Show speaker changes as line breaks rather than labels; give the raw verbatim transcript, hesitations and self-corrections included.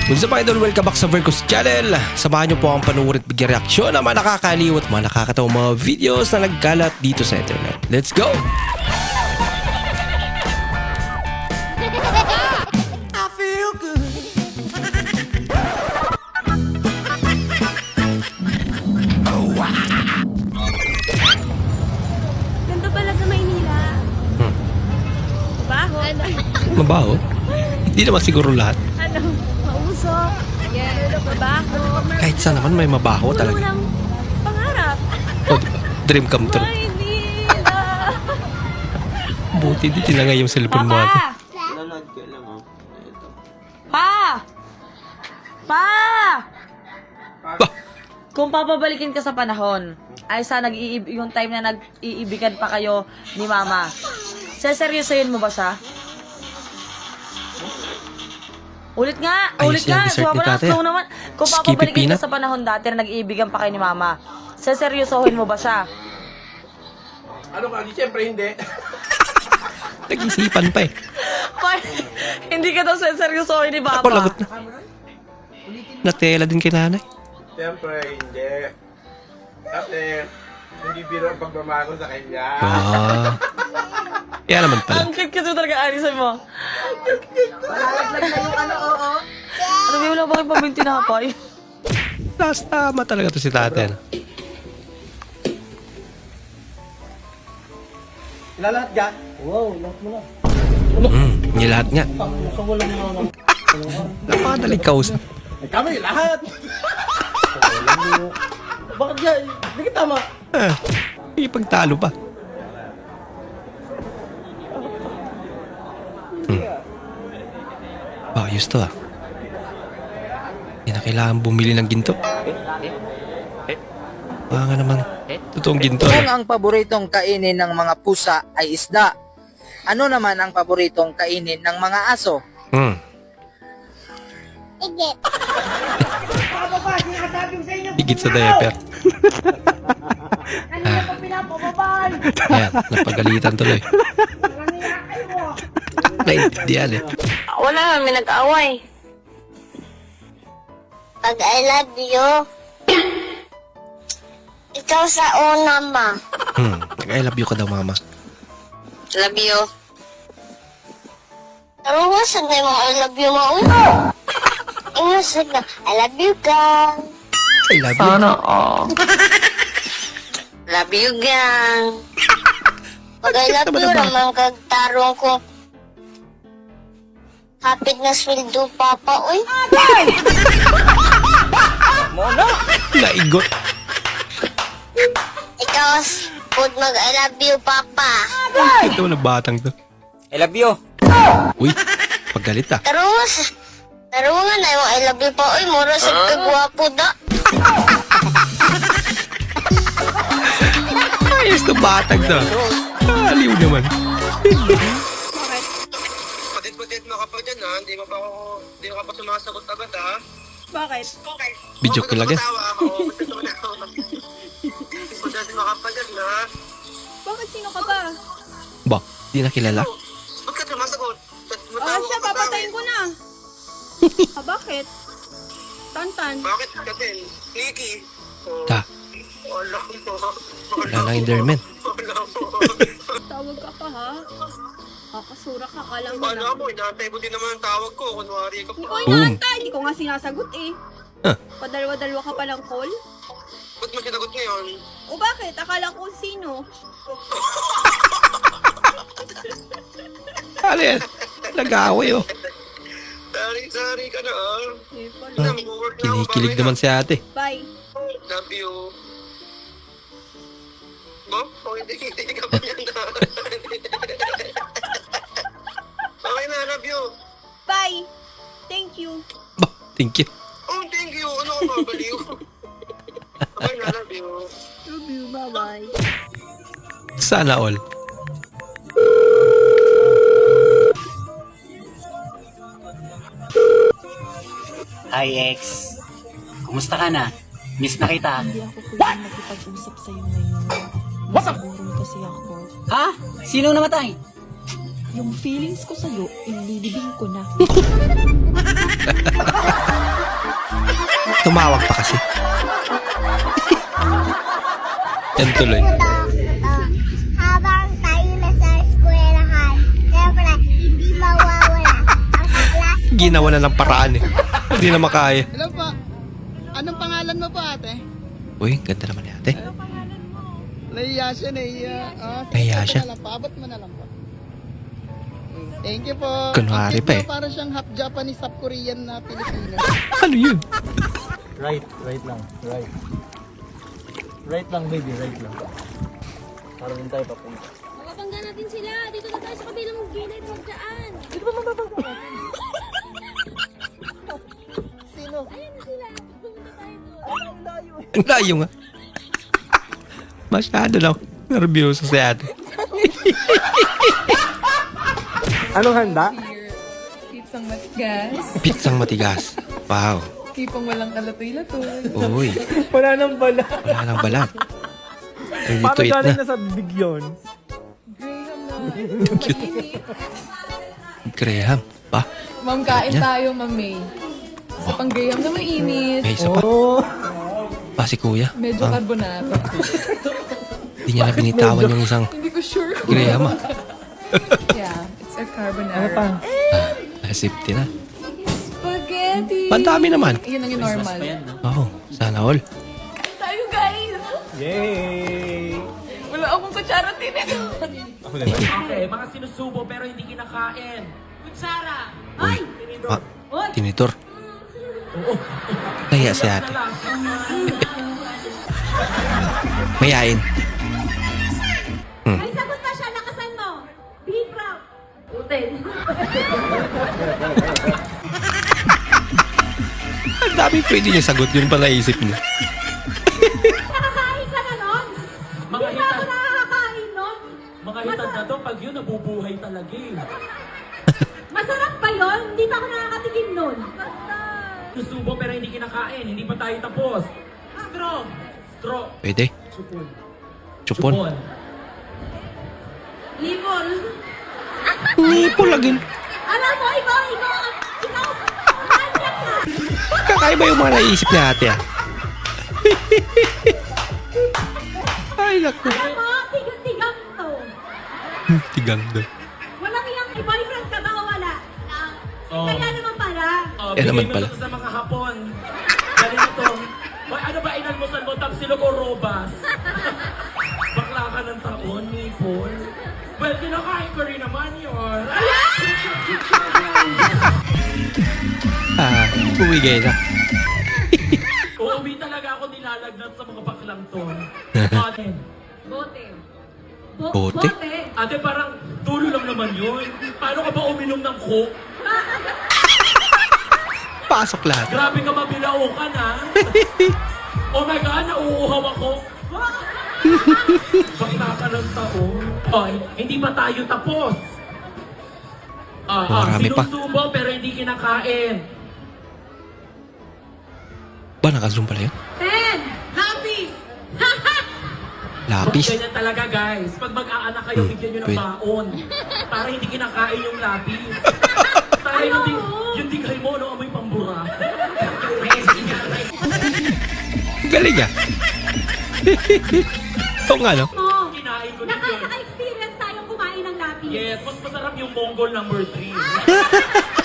What's up idol? Welcome back sa Vercos Channel. Samahan niyo po ang panuorin at bigyan reaksyon ng mga nakakaliw at mga nakakatawang mga videos na nagkalat dito sa internet. Let's go!
I feel good.
Ganda pala sa Maynila.
Hmm.
Baho. Ano?
Mabaho? Hindi naman siguro lahat.
Ano? Mausok. Yeah. Mabaho.
Kahit saan naman may mabaho
Puno
talaga.
ng pangarap.
O, diba? Dream come true.
Maynila.
Buti di tinangay yung cellphone mo ate.
Papa!
Lalad ka lang oh. Ito.
Pa! Pa!
Ba?
Kung papabalikin ka sa panahon, ay sa nag yung time na nag-iibigan pa kayo ni Mama, seseryosohin mo ba siya? Ulit nga!
Ayos
Ulit
yan,
nga!
dessert ni
Sumama na,
tate.
slow naman. Kung
Skippy
papabalikin
peanut?
ka sa panahon dati na nag-iibigan pa kayo ni Mama, seseryosohin mo ba siya?
Ano ka? Di siyempre hindi.
Nag-isipan pa eh.
Pa, hindi ka daw seseryosohin ni Papa.
Ako lagot na. Natela din kay nanay.
Siyempre hindi. Kasi hindi biro ang pagmamahal sa kanya.
Ah. Kaya naman pala.
Ang cute kasi talaga, Alison mo. Malalaglag na yung ano, oo. Ano ba, wala ba kayong pabinti na hapay?
Last tama talaga to si tate. Ano?
Lalat ka? Wow, lahat mo na.
Hmm, yung lahat nga.
Sa walang mga naman.
Napakadaling kausap.
Ay kami, lahat! Bakit yan? Hindi ka tama.
Ah, ipagtalo pa. Hmm. Ayos to ah. Hindi na kailangan bumili ng ginto. Ah nga naman. Totoong ginto.
Kung
Ano?
ang paboritong kainin ng mga pusa ay isda, ano naman ang paboritong kainin ng mga aso?
Hmm. Higit sa diaper. Ah. Ayan, napagalitan tuloy. Naintindihan eh.
Wala kami nag-away. Pag I love you, ikaw sa una, ma.
Hmm, I love you ka daw mama.
Love you. Pero wasag na yung I love you, ma. Uy. Ingasag na, I love you, gang.
I love you.
Love you, gang. Pag I love
Naman
you,
naman.
naman kagtarong ko. Hapit na sweldo, papa. Uy.
Naigot.
Ikaw, food mag I love you, papa.
Ito na batang to.
I love you.
Uy, paggalit ah.
Tarungas. Tarungan na yung I love you pa. Uy, mura sa kagwapo da.
Ayos na batang to. Aliw naman.
Patit-patit mo ka pa dyan ha. Hindi mo pa ako, hindi mo ka pa sumasagot agad ha.
Bakit?
Video ko lang eh.
Matawa ako. Matawa na ako. Patit mo ka pa dyan ha.
Bakit sino ka ba?
Ba, di na kilala.
Ba't ka sumasagot? Ba't matawa
Ah, siya,
ka pa
papatayin ko na. Ah, bakit? Tantan.
Bakit ka din? Nikki. Oh,
Ta,
wala mo.
wala nang enderman.
Wala mo.
Tawag ka pa, ha? Kakasura ka, kalang
Wala mo. Inaantay mo din naman ang tawag ko. Kunwari ka
Hindi ko
pa.
inaantay. Hindi ko nga sinasagot eh.
Huh.
Padalwa-dalwa ka pa ng call?
Ba't mo sinagot ngayon?
O bakit? Akala ko sino?
Ano yan? Nag-aaway oh.
Sorry, sorry ka na ah.
Eh, pala.
Ah,
Mag-work na ako,
Kinikilig
babay
naman
na.
si ate.
Bye.
Love you. Bo? Oh, hindi, hindi ka pa yan na. Okay na, love you.
Bye. Thank you.
Ba, thank you.
Oh, thank you. Ano ka ba, baliw? Okay na, love you.
Love you. Bye-bye.
Sana all.
Hi, ex. Kumusta ka na? Miss na kita.
Hindi ako pwedeng makipag-usap sa'yo ngayon. Nasaburon kasi ako.
Ha? Sino namatay?
Yung feelings ko sa'yo, ililibing ko na.
Tumawag pa kasi. Yan tuloy.
Habang tayo nasa eskwelahan, siyempre, hindi mawawala ang klase.
Ginawa na ng paraan eh. Hindi na makaya.
Hello po. Anong pangalan mo po, ate?
Uy, ganda naman ni ate.
Naiya siya, naiya. Ah, sige,
Nahiya
ito
siya?
na lang po. Abot mo na lang po. Thank you po.
Kunwari
Ang
pa
cute
eh.
mo, para siyang half Japanese, half Korean na Pilipino.
Ano yun?
Right, right lang, right. Right lang, baby, right lang. Para din tayo papunta.
Mababangga natin sila. Dito na tayo sa kabilang gilid. Huwag dyan. Dito ba mababangga natin?
Sino?
Ayan na sila. Pumunta tayo doon.
Ang layo nga. Masyado lang. Nervyoso si ate.
Anong handa?
Pizzang matigas.
Pizzang matigas. Wow.
Tipong walang kalatoy-latoy.
Uy,
Wala nang bala.
wala nang balat. Ready
Paano
to eat
galing
na.
na sa bibig yun?
Graham na. Mainit.
Graham. Pa?
Ma'am, kain
Yan.
tayo, Ma'am May. Sa pang Graham na mainit.
May isa pa.
Oo.
Pa si kuya.
Medyo
Ah,
carbonara.
Hindi niya na binitawan yung isang
Hindi ko sure.
Graham ah.
Yeah, it's a carbonara.
Nasipti na.
Spaghetti!
Pandami naman.
Yun ang yung normal.
Oo, sana all.
Tayo, guys!
Yay!
Wala akong kutsara tinito.
Ako din.
Okay, mga sinusubo pero hindi kinakain. Kutsara!
Uy, pa, tinitor. Kaya si ate. Mayain.
Ay, sagot pa siya. Lakasan mo. Be proud. Uten.
Ang dami pwede niya sagot. Yun pa naisip niya.
Nakakain ka na nun?
Mga
Hindi pa ako
hitad,
nakakain nun.
mga hitad na to, pag yun, nabubuhay talaga eh.
Masarap ba yun? Hindi pa ako nakakatikim nun.
Sinusubo pero hindi kinakain, hindi pa tayo tapos. Straw! Straw!
Pwede.
Chupon.
Chupon.
Limon.
Nipo lagin.
Alam mo, ikaw, ikaw, ikaw, manyak ka.
Kakaiba yung mga naisip ni ate ah. Ay, naku.
Alam mo, tigang-tigang to.
Tigang doon.
Walang iyang boyfriend ka ba o wala?
Oh.
Kaya naman pala.
Oh,
Eh,
bigay
naman
mo
pala.
to sa mga hapon. Ganito. Hoy, ano ba inalmusan mo? Tapsilog o robas? Bakla ka ng taon, Nipol. Well, kinakain ko rin naman yun.
Ah, bumigay na.
Uuwi talaga ako nilalagnat sa mga baklang to. Atin.
Bote. Bo-
Bote?
Ate, parang tulo lang naman yun. Paano ka ba uminom ng coke?
Pasok lahat.
Grabe ka mabilaukan, ha? Oh my God, nauuhaw ako. Bakla ka ng taon. Hoy, hindi pa tayo tapos. Ah, ah,
Marami pa.
sinusubo pero hindi kinakain.
Ba, naka-zoom pala yun?
Ten. Lapis.
Lapis.
Ganyan talaga, guys. Pag mag-aanak kayo,
Hmm,
bigyan nyo ng
pwede.
baon. Para hindi kinakain yung lapis. Para yung, di, yung digay mo, no, amoy pambura.
Galing ah. Oo nga, no?
Oh.
Kinain ko din yun.
Nakaka-experience tayong kumain ng lapis.
Yes, mas masarap yung Mongol number three.